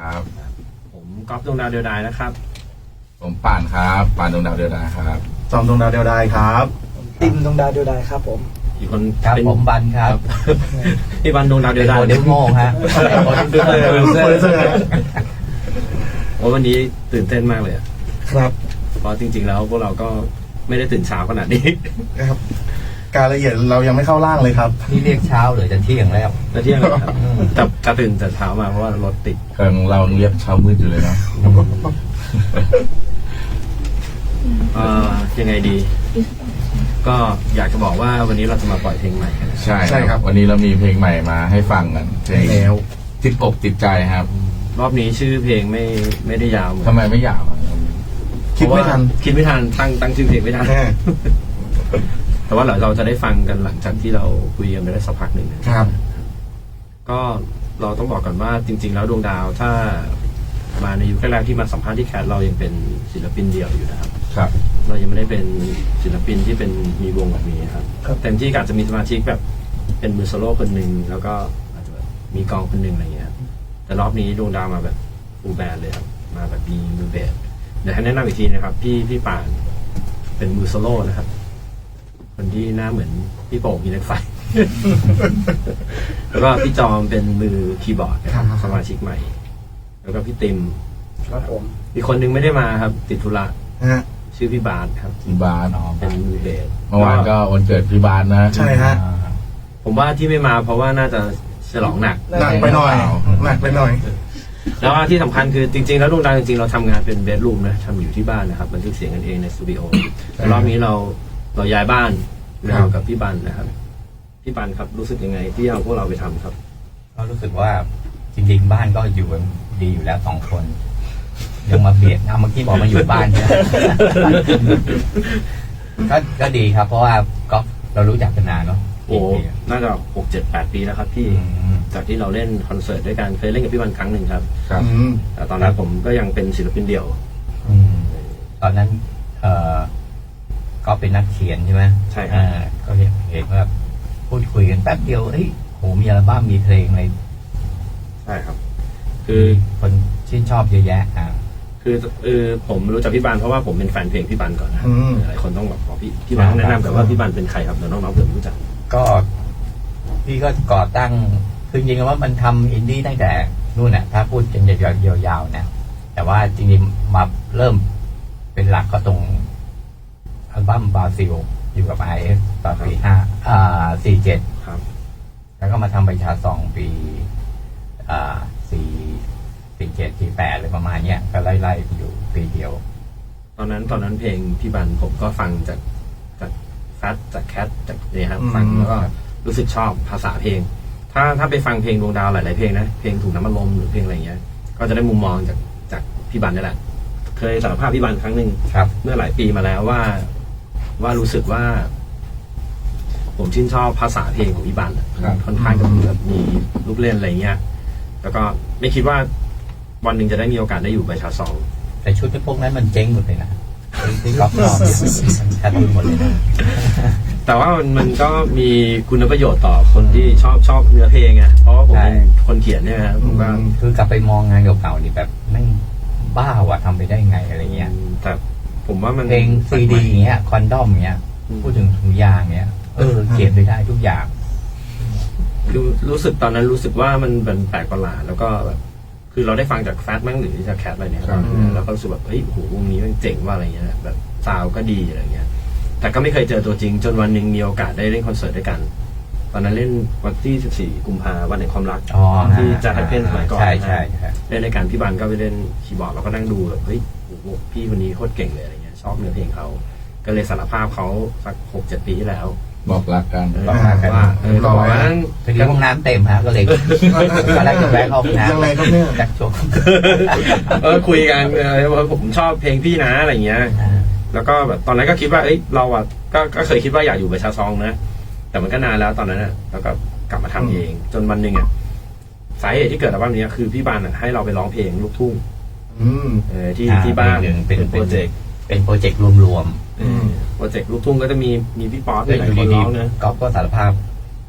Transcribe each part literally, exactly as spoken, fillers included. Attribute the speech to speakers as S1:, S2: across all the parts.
S1: ครับ
S2: ผมก๊อฟดวงดาวเดียวดายนะครับ
S1: ผมป่านครับป่านดวงดาวเดียวดายครับ
S3: จอมดวงดาวเดียวดายครับ
S4: ติมดวงดาวเดียวดายครับผม
S2: อีกคน
S5: ครับผมบันครับ
S2: พี่บันดวงดาวเดียวดาย
S5: เดี๋ยวโง่ฮะโปรดิวเซอร์โปรดิวเซอร์
S2: โอ้วันนี้ตื่นเต้นมากเลย
S3: ครับ
S2: เพราะจริงๆแล้วพวกเราก็ไม่ได้ตื่นเช้าขนาดนี้
S3: ครับการละเอียดเรายังไม่เข้าร่างเลยครับ
S5: นี่เรียกเช้าหรือจะเที่ยงแล้ว
S2: จะเที่ยงแล้วครับแต่จะตื่นแต่เช้ามาเพราะว่ารถติด
S1: กำลังเราเรียกเช้ามืดอยู่เลยนะ
S2: ยังไงดี ก็อยากจะบอกว่าวันนี้เราจะมาปล่อยเพลงใหม่กัน
S1: ใช่ใช่ครับวันนี้เรามีเพลงใหม่มาให้ฟังกันเพลงแล้วติดอกติดใจครับ
S2: รอบนี้ชื่อเพลงไม่ไม่ได้ยาว
S1: ทำไมไม่ยาว
S3: คิดไม่ทัน
S2: คิดไม่ทันตั้งตั้งชื่อเพลงไม่ทันแต่ว่าเราเราจะได้ฟังกันหลังจากที่เราคุยกันไปได้สักพักหนึ่ง
S3: ครับ
S2: ก็เราต้องบอกก่อนว่าจริงๆแล้วดวงดาวถ้ามาในยุคแรกๆที่มาสัมภาษณ์ที่แคทเรายังเป็นศิลปินเดี่ยวอยู่นะครับ
S1: ครับ
S2: เรายังไม่ได้เป็นศิลปินที่เป็นมีวงแบบนี้ครับเต็มที่อาจจะมีสมาชิกแบบเป็นมือโซโล่คนหนึ่งแล้วก็อาจจะแบบมีกองคนหนึ่งอะไรเงี้ยแต่รอบนี้ดวงดาวมาแบบฟูลแบนด์เลยครับมาแบบมีมือเบสเดี๋ยวให้แนะนำอีกทีนะครับพี่พี่ป่านเป็นมือโซโล่นะครับคนที่หน้าเหมือนพี่โป่งมีเล็กไฟ แล้วก็พี่จอมเป็นมือคีย์บอร์ดนะครับสมาชิกใหม่แล้วก็พี่ติม
S4: ครับผม
S2: อีกคนนึงไม่ได้มาครับติดธุระชื่อพี่บาสครับ
S1: พี่บาส
S2: เป็นมือเบส
S1: เมื่อวานก็วันเกิดพี่บาสนะ
S3: ใช่ฮะ
S2: ผมว่าที่ไม่มาเพราะว่าน่าจะฉลองหนัก
S3: หนักไปหน่อยหนักไปหน่อย
S2: แล้วที่สำคัญคือจริงๆแล้วดวงดาวจริงๆเราทำงานเป็นเบดรูมนะทำอยู่ที่บ้านนะครับบันทึกเสียงกันเองในสตูดิโอแต่รอบนี้เราเราย้ายบ้านเรากับพี่บันนะครับพี่บันครับรู้สึกยังไงที่เอาพวกเราไปทำครับ
S5: ก็รู้สึกว่าจริงๆบ้านก็อยู่กันดีอยู่แล้วสองคนยังมาเบียดเอาเมื่อกี้บอกมาอยู่บ้านใช่ไหมก็ก็ดีครับเพราะว่าก็เรารู้จักกันนานเนาะ
S2: โอ้น่าจะหกเจ็ดแปดปีแล้วครับพี่จากที่เราเล่นคอนเสิร์ตด้วยกันเคยเล่นกับพี่บันครั้งหนึ่งครับ
S1: ครับ
S2: แต่ตอนนั้นผมก็ยังเป็นศิลปินเดี่ยว
S5: ตอนนั้นเออก็เป็นนักเขียนใช่ไหม
S2: ใช่ครับ
S5: ก็เห็นว่าพูดคุยกันแป๊บเดียวเฮ้ยโหมีอัลบั้มมีเพลงอะไร
S2: ใช่ครับคือ
S5: คนชื่นชอบเยอะแยะอ่า
S2: คือเออผมรู้จักพี่บันเพราะว่าผมเป็นแฟนเพลงพี่บันก่อนนะหลายคนต้องบอกบอกพี่พี่บันแนะนำแต่ว่าพี่บันเป็นใครครับเดี๋ยวน้องๆเผื่อรู้จัก
S5: ก็พี่ก็ก่อตั้งคือจริงๆว่ามันทำอินดี้ตั้งแต่นู่นน่ะถ้าพูดกันยาวๆนะแต่ว่าจริงๆมาเริ่มเป็นหลักก็ตรงอัลบั้มบราซิลอยู่กับไอเอฟตอนปีห้าอ่าสี่เจ็ด
S2: ครับ
S5: แล้วก็มาทำประชาสองปีอ่าสี่สี่เจ็ดสี่แปดอะไรประมาณเนี้ยก็ไล่ๆอยู่ปีเดียว
S2: ตอนนั้นตอนนั้นเพลงพี่บันผมก็ฟังจากจากฟัดจากแคทจากเนี่ยครับฟังแล้วก็รู้สึกชอบภาษาเพลงถ้าถ้าไปฟังเพลงดวงดาวหลายๆเพลงนะเพลงถูกน้ำมันลมหรือเพลงอะไรเงี้ยก็จะได้มุมมองจากจากพี่บันนี่แหละเคยสารภาพพี่บันครั้งหนึ่งเมื่อหลายปีมาแล้วว่าว่ารู้สึกว่าผมชื่นชอบภาษาเพลงของพี่บันค่อนข้างจะแบบมีลูกเล่นอะไรเงี้ยแล้วก็ไม่คิดว่าวันหนึ่งจะได้มีโอกาสได้อยู่ประชาซอง
S5: แต่ชุดพวกนั้นมันเจ๊งหมดเลยนะที่ล็อกนอกขาดทุนหมดเลยนะ
S2: แต่ว่ามันมันก็มีคุณประโยชน์ต่อคนที่ชอบชอบเนื้อเพลงไงเพราะว่าผมเป็นคนเขียนเนี่ยนะผมก็
S5: คือกลับไปมองงานเก่าๆนี่แบบไม่บ้าว่ะทำไปได้ไงอะไรเงี้ย
S2: แต่ผมว่ามัน
S5: เพลงซีดีเงี้ยคอนดอมเงี้ยพูดถึงถุงยางเงี้ยเออเขียนไปได้ทุกอย่าง
S2: รู้รู้สึกตอนนั้นรู้สึกว่ามันเป็นแปลกประหลาดแล้วก็แบบคือเราได้ฟังจากแฟตมั้งหรือจากแคทอะไรเนี่ยแล้วก็รู้สึกแบบเฮ้ยโหวงนี้มันเจ๋งว่าอะไรเงี้ยแบบซาวก็ดีอะไรเงี้ยแต่ก็ไม่เคยเจอตัวจริงจนวันหนึ่งมีโอกาสได้เล่นคอนเสิร์ตด้วยกันตอนนั้นเล่นวันที่สิบสี่กุมภาพันธ์วันแห่งความรักที่จะให้เพนสมัยก่อน
S5: ใช่ใช่
S2: เล่นในการพี่บันก็ไปเล่นคีย์บอร์ดเราก็นั่งดูแบบเฮ้ยโหพี่คนนี้โคตรเก่งเลยอะไรเงี้ยชอบเนื้อเพลงเขาก็เลยสารภาพเขาสักหกเจ็ดปีที่แล้ว
S1: บอกรักกัน
S2: บอกรักกันว่าเออบอกว่านั้น
S5: พอดีห้องน้ำเต็มฮะก็เลยตอนแรกจะแวะเข้าห้องน้ำ
S3: ยังไงครับเนี่ย
S5: จักชก
S2: เออคุยกันว่าผมชอบเพลงพี่นะอะไรเงี้ยแล้วก็แบบตอนนั้นก็คิดว่าเอ้ยเราอ่ะก็ก็เคยคิดว่าอยากอยู่ประชาซองนะแต่มันก็นานแล้วตอนนั้นอ่ะแล้วก็กลับมาทำเองจนวันหนึ่งอ่ะสาเหตุที่เกิดอัลบั้มนี้คือพี่บันอ่ะให้เราไปร้องเพลงลูกทุ่งเออที่ที่บ้าน
S5: เป็นโปรเจกต์เป็นโปรเจกต์รวม
S2: ๆโปรเจกต์ลูกทุ่งก็จะมีมีพี่ป๊อปหลายคนร้องนะ
S5: ก็ก็สารภาพ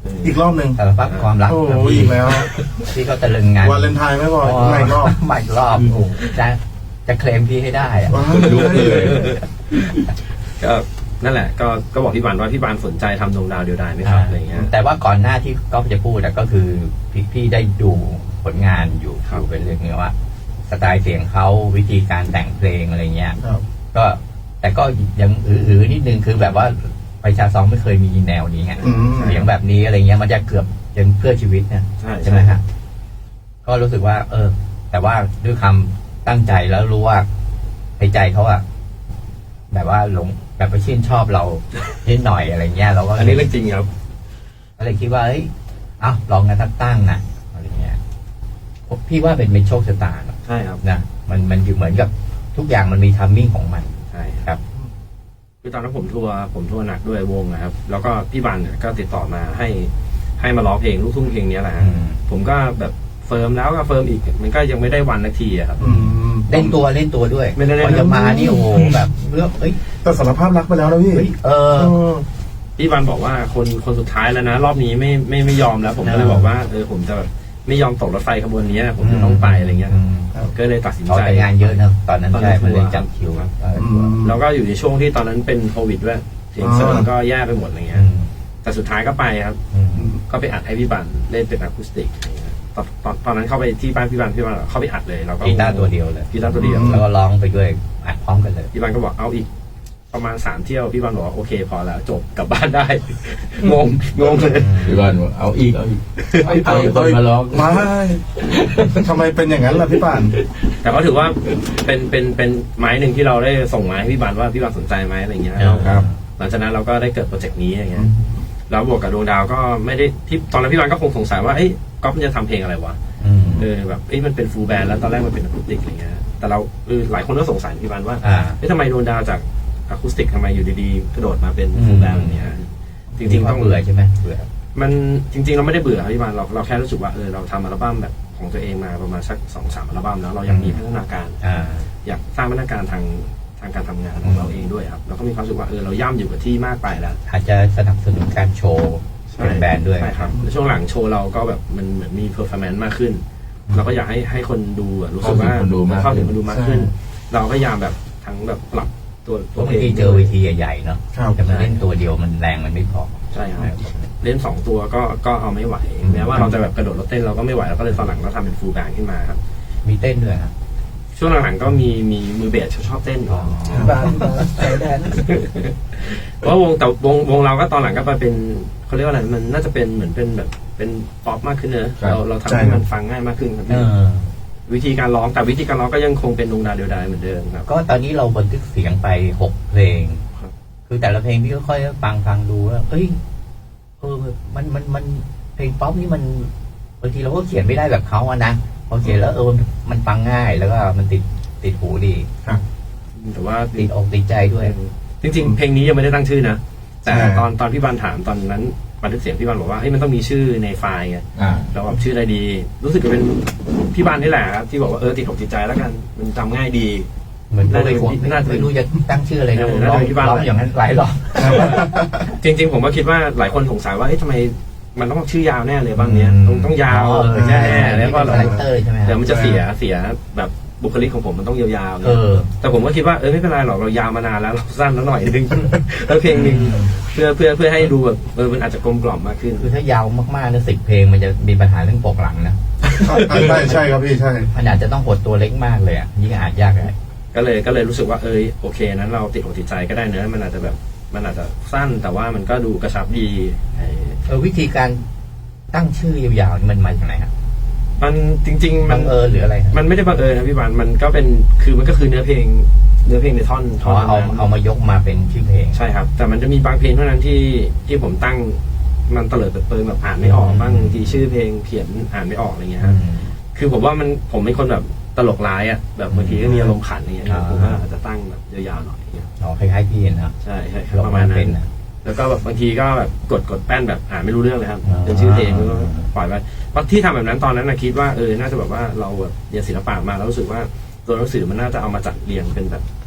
S3: อีกรอบหนึ่ง
S5: สารพัดความรัก
S3: โอ้
S5: ครับ
S3: โห
S5: พี่
S3: อีกแล้ว
S5: พี่ก็ตะลึงงาน
S3: วาเลนไทน์ไม่พอไม่รอบ
S5: ไม่รอบโอ้โหจะจะเคลมพี่ให้ได้อะ
S3: ว้าว
S1: ลุกเลย
S2: ก็นั่นแหละก็ก็บอกพี่บานว่าพี่บานสนใจทำดวงดาวเดียวดายไหมครับอะไรเงี้ย
S5: แต่ว่าก่อนหน้าที่ก๊อฟจะพูดอะก็คือพี่พี่ได้ดูผลงานอยู่
S2: ครับ
S5: ดูเป็นเรื่องนี้ว่า สไตล์เสียงเขาวิธีการแต่งเพลงอะไรเงี้ย
S3: ครับ
S5: ก็แต่ก็ยังอือๆนิดนึงคือแบบว่าประชาซองไม่เคยมีแนวนี้ไง
S3: อืม
S5: เสียงแบบนี้อะไรเงี้ยมันจะเกือบเป็นเพื่อชีวิตนะ
S2: ใช่
S5: ใช่ไหมฮะก็รู้สึกว่า เออ แต่ว่าด้วยคำตั้งใจแล้วรู้ว่าในใจเขาอะแบบว่าหลงแบบไปชื่นชอบเรานิดหน่อยอะไรเงี้ยเราก็
S2: อันนี้เรื่องจริงครับ
S5: ก็เลยคิดว่าเอ้ยเอ้าลองกันตั้งตั้งนะอะไรเงี้ยพี่ว่าเป็นเป็นโชคชะตาเนอะ
S2: ใช่ครับ
S5: นะมันมันอยู่เหมือนกับทุกอย่างมันมีทัมมิ่งของมัน
S2: ใช่
S5: ครับ
S2: คือตอนนั้นผมทัวร์ผมทัวร์หนักด้วยวงนะครับ แล้วก็พี่บานเนี่ยก็ติดต่อมาให้ให้มาร้องเพลงลูกทุ่งเพลงนี้แหละฮะ
S5: อืม
S2: ผมก็แบบเฟิร์มแล้วก็เฟิร์มอีกมันก็ยังไม่ได้วันนาทีอะครับ
S3: อืม
S5: เล่นตัวเล่นตัวด้วย
S2: ไม่ได้เล่น
S5: พอจะมานี่โอ้โหแบบเรื่องเอ้ย
S3: แต่สารภาพรักไปแล้วนะพี่
S5: เฮ้ยเออ
S3: เออ
S2: พี่บันบอกว่าคนคนสุดท้ายแล้วนะ รอบนี้ไม่ไม่ไม่ยอมแล้ว ผมก็เลย
S5: อ่า
S2: บอกว่าเออผมจะแบบไม่ยอมตกรถไฟขบวนนี้ผมจะต้องไปอะไรเงี้ย
S5: อืม
S2: ก็เลยตัดสิน
S5: เขา
S2: ใจ
S5: แต่งานเยอะนะตอนนั้น
S2: ตอนนั้
S5: ใช่
S2: น
S5: มันเลย
S2: ทัวร์
S5: จับคิว
S2: ครับ
S5: เออ
S3: อืม
S2: แล้วก็อยู่ในช่วงที่ตอนนั้นเป็นโควิดด้วยเสียงเสริงก็แย่ไปหมดอะไร
S5: อื
S2: เงี้ย
S5: ม
S2: แต่สุดท้ายก็ไปครับ
S5: อืม
S2: ก็ไปอัดให้พี่บันเล่นเป็นอะคูสติกอะไรเงี้ยตอนตอนตอนนั้นเข้าไปที่บ้านพี่บันพี่บันเข้าไปอัดเลยเราก็
S5: กีตาร์ตัวเดียวเลย
S2: กีตาร์ตัวเดียว
S5: แล้วก็ร้องไปด้วยอัดพร้อมกันเลย
S2: พี่บันก็บอกเอาอีกประมาณสามเที่ยวพี่บันบอกว่าโอเคพอแล้วจบกลับบ้านได้ งงงงเลย
S1: พี่บอลบอกเอาอีกเอาอีกไม่เอาอีกคนมาร้อง
S3: ไม่ทำไมเป็นอย่างนั้นล่ะพี่ป่าน
S2: แต่ก็ถือว่าเป็นเป็นเป็นไม้หนึ่งที่เราได้ส่งไม้ให้พี่บันว่าพี่บันสนใจไหมอะไรเงี้ย
S3: ครับ
S2: หลังจากนั้นเราก็ได้เกิดโปรเจกต์นี้อย่างเงี้ยแล้วบวกกับดวงดาวก็ไม่ได้ที่ตอนนั้นพี่บันก็คงสงสัยว่าเอ้ยก๊อฟมันจะทำเพลงอะไรวะ
S5: อืม
S2: เออแบบเอ้ยมันเป็นฟูลแบนด์แล้วตอนแรกมันเป็นอะคูสติกอะไรเงี้ยแต่เราเออหลายคนก็สงสัยพี่บันว่า
S5: อ่า
S2: เอ้ยทำไมดวงดาวจากอะคูสติกทำไมอยู่ดีๆกระโดดมาเป็น
S5: อืม
S2: ฟูลแบนด์อะไรเงี้ยจริงๆ
S5: ต้
S2: ต้
S5: อ
S2: อง ง
S5: เบื่อใช่ไหมเบื่อ
S2: มันจริง ๆ เราไม่ได้เบื่อครับพี่บันเราเราแค่รู้สึกว่าเออเราทำอัลบั้มแบบของตัวเองมาประมาณสักสองสามอัลบั้มแล้วเรายังมีพัฒนาการ
S5: อ่า
S2: อยากสร้างพัฒนาการทางทางการทำงานของเราเองด้วยครับเราก็มีความรู้สึกว่าเออเราย่ำอยู่กับที่มากไปแล้ว
S5: อาจจะสนับสนุนการโชว์เป็นแบรนด์ด้วย
S2: ใช่ครับแล้วช่วงหลังโชว์เราก็แบบมันเหมือนมีเพอร์ฟอร์แมนซ์มากขึ้น เราก็อยากให้ให้คนดูอะรู้สึกว่า
S1: เข้าถึงคนดูมาก
S2: เข้าถึงคนดูมากขึ้น
S3: ใช่
S2: เราก็พยายามแบบทั้งแบบปรับตัว
S5: เพ
S2: ตัว
S5: ราะ
S2: เพ
S5: บาง
S2: ลง
S5: ทีเจอเวทีใหญ่ๆเนาะ
S3: ครับ
S5: แต่มาเล่นตัวเดียวมันแรงมันไม่พอ
S2: ใช่ครับเล่นสองตัวก็ก็เอาไม่ไหวแม้ว่าเราจะแบบกระโดดรถเต้นเราก็ไม่ไหวเราก็เลยตอนหลังเราทำเป็นฟูลแบนด์ขึ้นมาครับ
S5: มีเต้นด้วยครับ
S2: ช่วงหลังๆก็มีมีมือเบสชอบเต้นอยู่
S5: อ๋อ
S4: บานบานใจแดน
S2: เพราะวงแต่วงวงเราก็ตอนหลังก็มาเป็นเขาเรียกว่าอะไรมันน่าจะเป็นเหมือนเป็นแบบเป็นป๊อปมากขึ้นเนอะ
S1: ครับ
S2: เราเราทำให้มันฟังง่ายมากขึ้นครับ
S5: เออ
S2: วิธีการร้องแต่วิธีการร้องก็ยังคงเป็นดวงดาวเดียวดายเหมือนเดิมครับ
S5: ก็ตอนนี้เราบันทึกเสียงไปหกเพลง
S2: ครับ
S5: คือแต่ละเพลงพี่ก็ค่อยฟังฟังดูแล้วเอ้ยเออมันมันมันเพลงป๊อปนี่มันบางทีเราก็เขียนไม่ได้แบบเขาอะนะพอเขียนแล้วเออมันฟังง่ายแล้วก็มันติดติดหูดี
S2: แต่ว่า
S5: ติดอกติดใจด้วย
S2: จริงๆ เพลงนี้ยังไม่ได้ตั้งชื่อนะแต่
S3: ใช่
S2: ตอนตอนพี่บันถามตอนนั้นบันทึกเสียงพี่บันบอกว่าเฮ้ยมันต้องมีชื่อในไฟล์ไง
S1: อ่า
S2: เราแบบชื่ออะไรดี รู้สึกจะเป็นพี่บันนี่แหละครับที่บอกว่าเออติดอกติดใจแล้วกันมันจำง่ายดี
S5: เหมือนก็ไม่ควร
S2: น่าจะเป็น
S5: ไม่รู้จะตั้งชื่ออะไรนะ
S2: เออ
S5: ร้อง
S2: น่าจะเป็นที่บ้าน
S5: ร้องอย่างนั้นหลายรอบ
S2: จริงๆ ผมก็คิดว่าหลายคนสงสัยว่าเฮ้ยทำไมมันต้องชื่อยาวแน่เลยบ้างเนี้ย
S5: อืม
S2: ต้องต้องยาว
S5: อ๋อ
S2: แน่ๆแล้วก็
S5: คาแรคเตอร์ใช่ไหมครับ
S2: เดี๋ยวมันจะเสียเสียแบบบุคลิกของผมมันต้องยาวๆ
S5: เออ
S2: แต่ผมก็คิดว่าเออไม่เป็นไรหรอกเรายาวมานานแล้วเราสั้นแล้วหน่อยนึง แล้วเพลงหนึ่งเพื่อเพื่อเพื่อให้ดูแบบเออมันอาจจะกลมกล่อมมากขึ้น
S5: คือถ้ายาวมากๆนะสิบเพลงมันจะมีปัญหาเรื่องปกหลังนะ
S3: ใช่ใช่ครับพี่ใช่
S5: มันอาจจะต้องหดตัวเล็กมากเลยอ่ะยิ่งอ่านยากเลย
S2: ก็เลยก็เลยรู้สึกว่าเออโอเคนั้นเราติดอกติดใจก็ได้เนอะมันอาจจะแบบมันอาจจะสั้นแต่ว่ามันก็ดูกระชับดีไอ้
S5: เออวิธีการตั้งชื่อยาวๆนี่มันมาจากไหนครับ
S2: มันจริง ๆ มั
S5: บั
S2: น
S5: งเอิญหรืออะไรครับ
S2: มันไม่ได้บังเอิญนะพี่บานมันก็เป็นคือมันก็คือเนื้อเพลงเนื้อเพลงในท่อน
S5: เพ
S2: ท่อ
S5: ราะ
S2: น
S5: ว่าเอา
S2: นั้น
S5: เอามายกมาเป็นชื่อเพลง
S2: ใช่ครับ แต่มันจะมีบางเพลงเท่านั้นที่ที่ผมตั้งมันเตลิดเปิดเปิงแบบอ่านไม่ออกบ้างบางทีชื่อเพลงเขียนอ่านไม่ออกอะไรเงี้ย
S5: อื
S2: ฮะ
S5: ม
S2: คือผมว่ามันผมเป็นคนแบบตลกร้ายอ่ะแบบบางทีก็มีอารมณ์ขันอย่างเงี้ย
S5: อ่า
S2: ผมก็อาจจะตั้งแบบยาวๆหน่อยอย่างเงี้ย
S5: อ๋อคล้ายๆพี่นะ
S2: ใช่ใช่ครับ
S5: ลง
S2: ประ
S5: มา
S2: มาณนั้
S5: เป็น
S2: น
S5: นะ
S2: แล้วก็แบบบางทีก็แบบกดกดแป้นแบบอ่านไม่รู้เรื่องเลยครับ
S5: อ่า
S2: เป็นชื่อเพลงแล้วก็ปล่อยไปเพราะที่ทำแบบนั้นตอนนั้นนะคิดว่าเออน่าจะแบบว่าเราแบบเรียนศิลปะมาแล้วรู้สึกว่าตัวหนังสือมันน่าจะเอามาจัดเรียงเป็นแบบ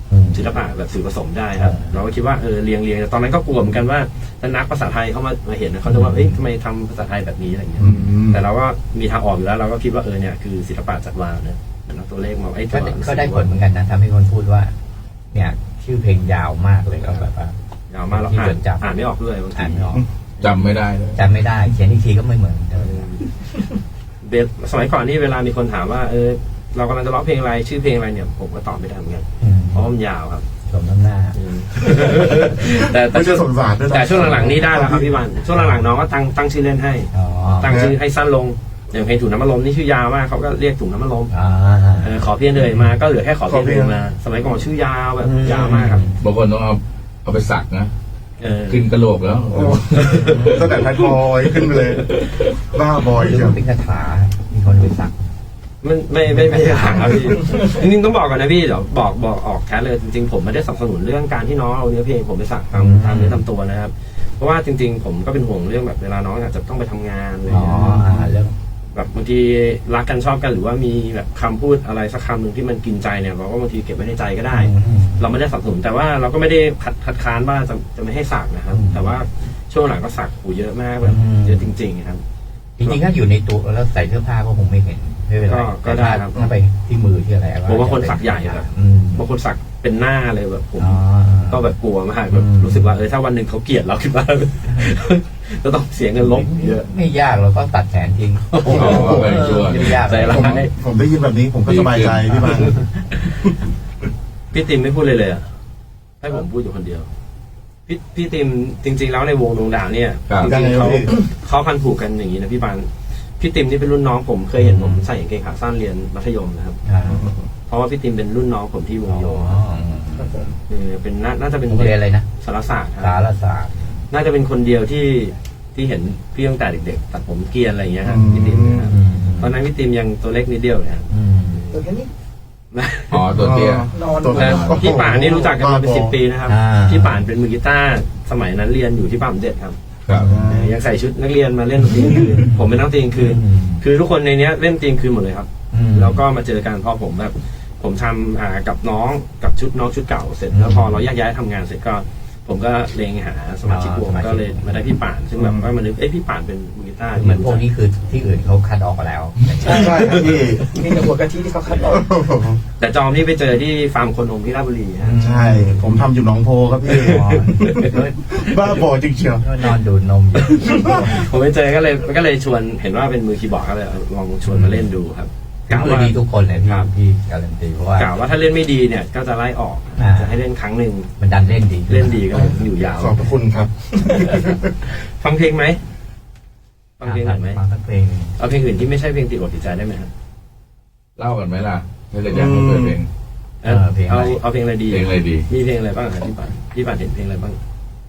S5: อืม
S2: ศิลปะแบบสื่อผสมได้ครับ
S5: เออ
S2: เราก็คิดว่าเออเรียงเรียงตอนนั้นก็กลัวเหมือนกันว่าถ้านักภาษาไทยเขามามาเห็นเขาจะว่าเอ้ยทำไมทำภาษาไทยแบบนี้อะไรเงี้ย
S3: อืม
S2: แต่เราก็มีทางออกอยู่แล้ว เราก็คิดว่าเออเนี่ยคือศิลปะจัดวางเนี่ยเอาตัวเลขมาไอ้ตั
S5: ก็
S2: ว
S5: ได้ก็ได้ผลเหมือนกันนะทำให้คนพูดว่า เนี่ยชื่อเพลงยาวมากเลยก็แบบว่า
S2: ยาวมาเรา
S5: ที่
S2: อ่า
S5: จ
S2: น
S5: ดจำ
S2: อ่านไม่ออกด้วยบางที
S5: อ่านไม่ออก
S1: จำไม่ได้เลย
S5: จำไม่ได้เขียนอีกทีก็ไม่เหมือนเดิ
S2: เอ
S5: ม
S2: อเบสสมัยก่อนนี่เวลามีคนถามว่าเออเรากำลังจะร้องเพลงอะไรชื่อเพลงอะไรเนี่ยผมก็ตอบไม่ได้เหมือนกัน
S5: อืม
S2: เพราะว่ามันยาวครับ
S5: สมน้ำหน้า
S2: อืมแต่แต่
S3: ไม่
S2: ช่
S3: ใช่
S2: วง
S3: สงสารด้วยนะ
S2: แต่ช่วงหลังๆนี่ได้แล้วครับพี่บันช่วงหลังๆน้องก็ตั้งตั้งชื่อเล่นให้
S5: อ๋อ
S2: ตั้งชื่อให้สั้นลงอย่างเพลงถุงน้ำมันลมนี่ชื่อยาวมากเขาก็เรียกถุงน้ำมันลม
S5: อ่า
S2: เออขอเพียงเลยมาก็เหลือแค่ขอเพียงเลยมา สมัยก่อนชื่อยาวแบบ
S5: อืม
S2: ยาวมากครับ
S1: บางคนต้องเอาเอาไปสักนะ
S2: เออ
S1: ขึ้นกระโหลกแล้ว
S3: โอ้ตั้งแต่ไทยบอยขึ้นไปเลยบ้าบอย
S5: หรือ
S3: เชียว
S5: ว่าเป็นคาถามีคนไปสัก
S2: ไม่ไม่ไม่ไม่ใช่ถามครับพี่จริงๆต้องบอกก่อนนะพี่เดี๋ยวบอกบอกออกแคสเลยจริงๆผมไม่ได้สนับสนุนเรื่องการที่น้องเอาเนื้อเพลงผมไปสักตาม
S5: อืม
S2: ตามเนื้อตามตัวนะครับ เพราะว่าจริง ๆ ผมก็เป็นห่วงเรื่องแบบเวลาน้องอาจจะต้องไปทำงานอะไร
S5: อ๋อ
S2: เงี้ย
S5: อ่าเรื่อง
S2: แบบบางทีรักกันชอบกันหรือว่ามีแบบคำพูดอะไรสักคำหนึ่งที่มันกินใจเนี่ยเราก็บางทีเก็บไว้ในใจก็ได้
S5: อืม
S2: เราไม่ได้สนับสนุนแต่ว่าเราก็ไม่ได้คัดคัดค้านว่าจะจะไม่ให้สักนะครับ
S5: อืม
S2: แต่ว่าช่วงหลังก็สักหูเยอะมากแบบ
S5: อืม
S2: เยอะจริงๆครับ
S5: จริงๆถ้าอยู่ในตัวแล้วใส่เสื้อผ้าก็คงไม่เห็นไม่เป็นไร
S2: ก็ก็ได้ครับ
S5: ถ้าไปที่มือที่อะไร
S2: ผมว่าคนสักใหญ่ครับ
S5: อืม
S2: บางคนสักเป็นหน้าเลยแบบผม
S5: อ๋อ
S2: ก็แบบกลัวมากแบบ
S5: อืม
S2: รู้สึกว่าเออถ้าวันหนึ่งเขาเกลียดเราขึ้นมา จะต้องเสียเงินลบเยอะ
S5: ไม่ยากเราก็ตัดแขนทิ้ง
S1: อ๋อไปชัวร์
S5: ไม่ยาก
S2: ใจร้าย
S3: ผมผมได้ยินแบบนี้ผมก็สบายใจพี่บัง
S2: พี่ติมไม่พูดเลยเลยอะให้ผมพูดอยู่คนเดียว พี่พี่ติมจริง ๆ แล้วในวงดวงดาวเนี่ย
S1: ครับ
S2: จริงๆเขา
S3: ยังไงพี่
S2: เขาพันผูกกันอย่างนี้นะพี่บานพี่ติมนี่เป็นรุ่นน้องผมเคยเห็นผมใส่กางเกงขาสั้นเรียนมัธยมนะครับ
S5: อ่า
S2: เพราะว่าพี่ติมเป็นรุ่นน้องผมที่ว
S5: อ๋
S2: งโย
S5: อ
S4: ครับผม
S2: เออเป็นน่าน่าจะเป็น
S5: โรงเรียนอะไรนะ
S2: สารศาสตร์ครับ
S5: สารศาสตร์
S2: น่าจะเป็นคนเดียวที่ที่เห็นพี่ตั้งแต่เด็กๆตัดผมเกรียนอะไรอย่างเงี้ยครับ
S3: อืม
S2: พี่ติมนะครับ
S5: อืม
S2: ตอนนั้นพี่ติมยังตัวเล็กนิดเดียวเลยครับ
S5: อืม
S4: ตัวแค่นี้
S1: อ๋อตัวเตี้ย
S4: นอน
S3: ตัว
S2: แต่
S3: โอ้โห
S2: พี่ป่านนี่รู้จักกันมาเป็นสิบปีนะครับ
S5: อ่า
S2: พี่ป่านเป็นมือกีตาร์สมัยนั้นเรียนอยู่ที่ปั๊มเด็ดครับ
S1: ครับ
S2: เออยังใส่ชุดนักเรียนมาเล่นดนตรีกลางคืนผมเป็นนักดนตรีกลางคืน คือทุกคนในเนี้ยเล่นดนตรีกลางคืนหมดเลยครับ
S5: อืม
S2: แล้วก็มาเจอกันพอผมแบบผมทำอ่ากับน้องกับชุดน้องชุดเก่าเสร็จแล้วพอเราแยกย้ายทำงานเสร็จก็ ผมก็เลงหาสมาชิกวงก็เลยมาได้พี่ป่าน ซึ่งแบบว่ามันนึกเอ้ยพี่ป่านเป็นมือกีตาร์
S5: เหมือนพวกนี้คือที่อื่นเขาคัดออกมาแล้ว
S3: ใช่ครับพี่
S4: มีแต่หัวกะทิที่เขาคัดออก
S2: แต่จอมนี่ไปเจอที่ฟาร์มโคนมที่ราชบุรีฮะ
S3: ใช่ ผมทำอยู่หนองโพครับพี่
S5: อ๋อ
S3: บ้าบอจริงเชียว
S5: นอนดูดนมอยู่
S2: ผมไปเจอก็เลยก็เลยชวนเห็นว่าเป็นมือคีย์บอร์ดก็เลยลองชวนมาเล่นดูครับ
S5: ก็
S2: กะ
S5: คือ
S2: ว่า
S5: ดีทุกคนเลยพี่
S2: ครับ
S5: พี่การันตีเพราะว่าก
S2: ะว่าถ้าเล่นไม่ดีเนี่ยก็จะไล่ออก
S5: อ่า
S2: จะให้เล่นครั้งหนึ่ง
S5: มันดันเล่นดี
S2: เล่นดีก็เลยอยู่ยาว
S3: ขอบพระคุณครับ
S2: ฟังเพลงไหมฟังเพลงหน่อยไหม
S5: ฟังทั้งเพลง
S2: เอาเพลงอื่นที่ไม่ใช่เพลงติดอกติดใจได้ไหมครับ
S1: เล่ากันไหมล่ะถ้าเกิดอยากให้เปิดเพลง
S2: เออเอาเอาเพลงอะไรดี
S1: เพลงอะไรดี
S2: มีเพลงอะไรบ้างครับพี่ป่านพี่ป่านเห็นเพลงอะไรบ้าง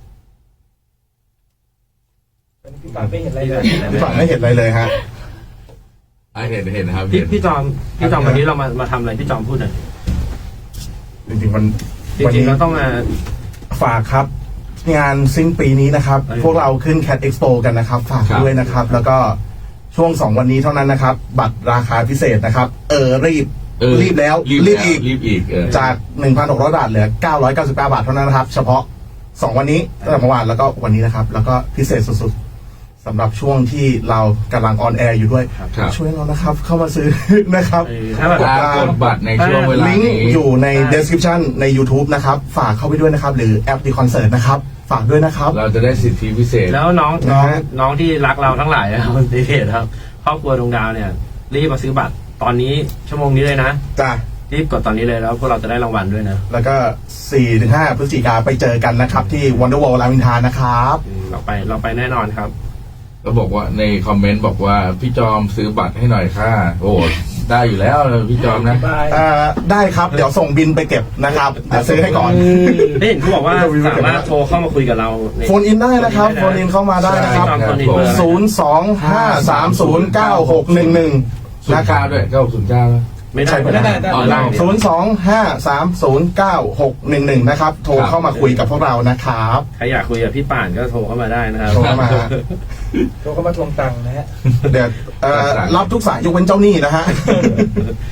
S4: พี่ป่านไม่เห็นอะไรเลย
S3: พี่ฝันไม่เห็นอะไรเลยฮะ
S1: อ่ะเห็นเห็นนะครับ
S2: พี่
S1: เห็น
S2: พี่จอมพี่จอมวันนี้เรามามาทำอะไรพี่จอมพูดหน่อย
S3: จริงๆวัน
S2: จ
S3: วัน
S2: ริง
S3: นี้
S2: ๆเราต้องมา
S3: ฝากครับ งานสิ้นปีนี้นะครับ
S2: เออ
S3: พวกเราขึ้น Cat Expo กันนะครับ ฝากด้วยนะครับ แล้วก็ช่วงสองวันนี้เท่านั้นนะครับ บัตรราคาพิเศษนะครับ เออรีบ
S1: เออ
S3: รีบแล้ว
S1: รีบ
S3: รีบ
S1: แล้ว
S3: อีก
S1: รีบอีกเออ
S3: จาก หนึ่งพันหกร้อย บาทเหลือ เก้าร้อยเก้าสิบเก้า บาทเท่านั้นนะครับ เฉพาะสองวันนี้ตั้งแต่เมื่อวานแล้วก็วันนี้นะครับ แล้วก็พิเศษสุดๆสำหรับช่วงที่เรากำลังออนแอร์อยู่ด้วย
S1: ครับ
S3: ช่วยเรานะครับ เข้ามาซื้อ นะครับ
S2: เออถ้าแบบ
S1: ถ้ากดบัตรในช่วงเวลา
S3: ลิงก์
S1: นี้
S3: อยู่ใน description ใน YouTube นะครับ ฝากเข้าไปด้วยนะครับ หรือแอปดีคอนเสิร์ตนะครับ ฝากด้วยนะครับ
S1: เราจะได้สิทธิพิเศษ
S2: แล้วน้อง
S3: นะ
S2: น้อง
S3: ฮะ
S2: น้องที่รักเราทั้งหลายนะครับดีเพจครับครอบครัวดวงดาวเนี่ยรีบมาซื้อบัตรตอนนี้ชั่วโมงนี้เลยนะ
S3: จ้ะ
S2: รีบกดตอนนี้เลยแล้วพวกเราจะได้รางวัลด้วยนะ
S3: แล้วก็ สี่ถึงห้า พฤศจิกาไปเจอกันนะครับ ที่ Wonderwall รามอินทรานะครับ
S2: อืมเราไปเราไปแน่นอนครับ
S1: ก็บอกว่าในคอมเมนต์บอกว่าพี่จอมซื้อบัตรให้หน่อยค่ะ โอ้ได้อยู่แล้วพี่จอมนะ
S4: บาย
S3: เอ่อได้ครับ เดี๋ยวส่งบินไปเก็บนะครับเดี๋ยวซื้อให้ก่อน
S2: ได้เห็นเขาบอกว่าสามารถโทรเข้ามาคุยกับเราใน
S3: โฟนอินได้นะครับ โฟนอินเข้ามาได้นะครับ
S2: ใช่ครับ
S3: ศูนย์ สอง ห้า สาม ศูนย์ เก้า หก หนึ่ง หนึ่ง
S1: ศูน
S3: นะ
S1: ย์
S3: ครั
S1: เก้า
S3: บ
S1: ด้วยเก้าศูนย์เก้า
S2: ไม่ได้
S3: ใช่
S2: ไม่ได้
S4: ได้ได้
S2: ออนไลน์
S3: ศูนย์ สอง ห้า สาม ศูนย์ เก้า หก หนึ่ง หนึ่ง นะครับ โทรเข้ามาคุยกับพวกเรานะครับ
S2: ใครอยากคุยกับพี่ป่านก็โทรเข้ามาได้นะครับ
S3: โทรเข้ามา
S4: โทรเข้ามาทวงตังค์นะฮะ
S3: เดี๋ยวเอ่อรับทุกสายยกเว้นเจ้าหนี้นะฮะ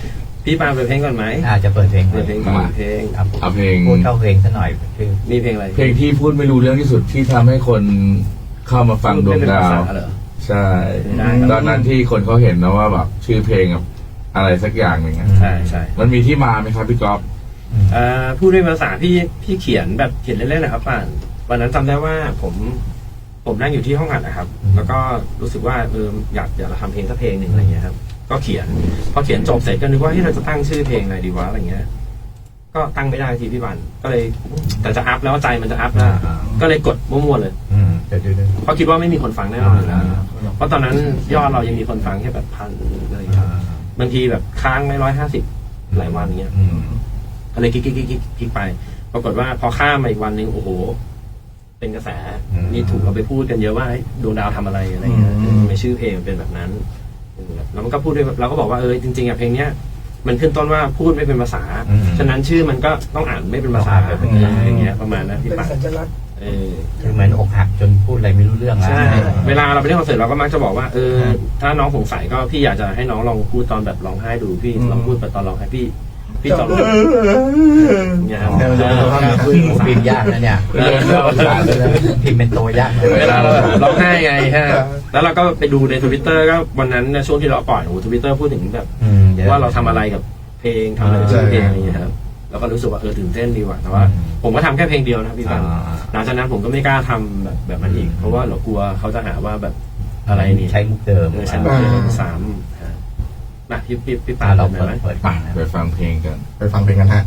S2: พี่ปาเปิดเพลงก่อนไหม
S5: อาจจะเปิดเพลง
S2: เปิดเพลงก่อน
S1: มา
S2: เพลง
S5: ครับ
S1: เอาเพลง
S5: พูดเข้าเพลงซะหน่อยชื่อ
S2: มีเพลงอะไร
S1: เพลงที่พูดไม่รู้เรื่องที่สุดที่ทำให้คนเข้ามาฟังดวงดาว
S2: ไม่เป็นภษเหรอ
S1: ใช่
S2: ได้ครับ
S1: ตอนนั้นที่คนเขาเห็นนะว่าแบบชื่อเพลงแบบอะไรสักอย่างหนึ่งอะ
S2: ใช่ใช่
S1: มันมีที่มาไหมครับพี่ก๊อฟ
S2: เอ่อพูดด้วยภาษาพี่พี่เขียนแบบเขียนเล่นๆนะครับป่านวันนั้นจำได้ว่าผมผมนั่งอยู่ที่ห้องอัดนะครับ แล้วก็รู้สึกว่าเอออยากอยากจะทำเพลงสักเพลงหนึ่งอะไรเงี้ยครับก็เขียนพอเขียนจบเสร็จก็นึกว่าที่เราจะตั้งชื่อเพลงอะไรดีวะอะไรเงี้ยก็ตั้งไม่ได้ทีพี่บันก็เลยแต่จะอัพแล้วใจมันจะอัพแล้วก็เลยกดมั่วๆเลย
S5: อืมเดี๋ยวดูดู
S2: เพราะคิดว่าไม่มีคนฟังแน่นอนอยู่แล้วเพราะตอนนั้นยอดเรายังมีคนฟังแค่แบบพันอะไรอย่างเงี้ยบางทีแบบค้างไม่ร้อยห้าสิบหลายวันอย่างเงี้ย
S5: อืม
S2: ก็เลยคลิกคลิกคลิกคลิกคลิกไป ปรากฏว่าพอข้ามมาอีกวันหนึ่งโอ้โห เป็นกระแสนี่ถูกเอาไปพูดกันเยอะว่าเฮ้ยดวงดาวทำอะไรอะไรเงี้ยในชื่อเพลงมันเป็นแบบนั้นแล้วมันก็พูดด้วยเราก็บอกว่าเออจริงๆอ่ะเพลงเนี้ยมันขึ้นต้นว่าพูดไม่เป็นภาษาฉะนั้นชื่อมันก็ต้องอ่านไม่เป็นภาษาแบบนี้อย่างเงี้ยประมาณนั้นพี่
S4: เป็น
S2: ปา
S4: สัญลักษณ์
S2: เออ
S5: คือเหมือนอกหักจนพูดอะไรไม่รู้เรื่องแล้ว
S2: ใช่เวลาเราไปเล่นคอนเสิร์ตเราก็มักจะบอกว่าเออถ้าน้องสงสัยก็พี่อยากจะให้น้องลองพูดตอนแบบร้องไห้ดูพี่ลองพูดไปตอนร้องไห้พี่พี่ตอนเนี่ยครับ
S5: พูดพิมพ์ยากนะเนี่ยพิมพ์เป็นตัวยากนะ
S2: เวลาเราแบบร้องไห้ไงฮะแล้วเราก็ไปดูในทวิตเตอร์ก็วันนั้นช่วงที่เราปล่อยโอ้โหทวิตเตอร์พูดถึงแบบ
S5: อืมดี๋ย
S2: ว่าเราทำอะไรกับเพลงทำอะไรกับชื่อเพลงอะไรอย่างเงี้ยครับเราก็รู้สึกว่าเออตื่นเต้นดีว่ะแต่ว่า ผมก็ทำแค่เพลงเดียวนะพี่ปันหลังจากนั้นผมก็ไม่กล้าทำแบบแบบนั้นอีกเพราะว่าเรากลัวเขาจะหาว่าแบบอะไรนี่
S5: ใช้มุกเดิม
S2: เออใช้มุกเดิมซ้ำฮะนะพี่พี่พี่ปา
S5: อ่าเรา
S2: เปิ
S5: เปิ
S2: ด
S5: ด
S2: ไหม
S5: เปิด
S1: ไป
S5: ฟังนะ
S1: ไปฟังเพลงกัน
S3: ไปฟังเพลงกันฮะ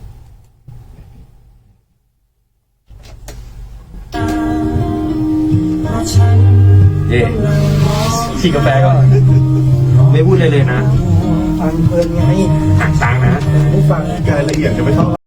S2: เย่ฉีกกาแฟก่อนไม่พูดเลยเลยนะ
S4: ฟังเพลินไง
S2: หักตังค์นะ
S4: ไม่ฟัง
S3: รายละเอียดจะไม่เท่า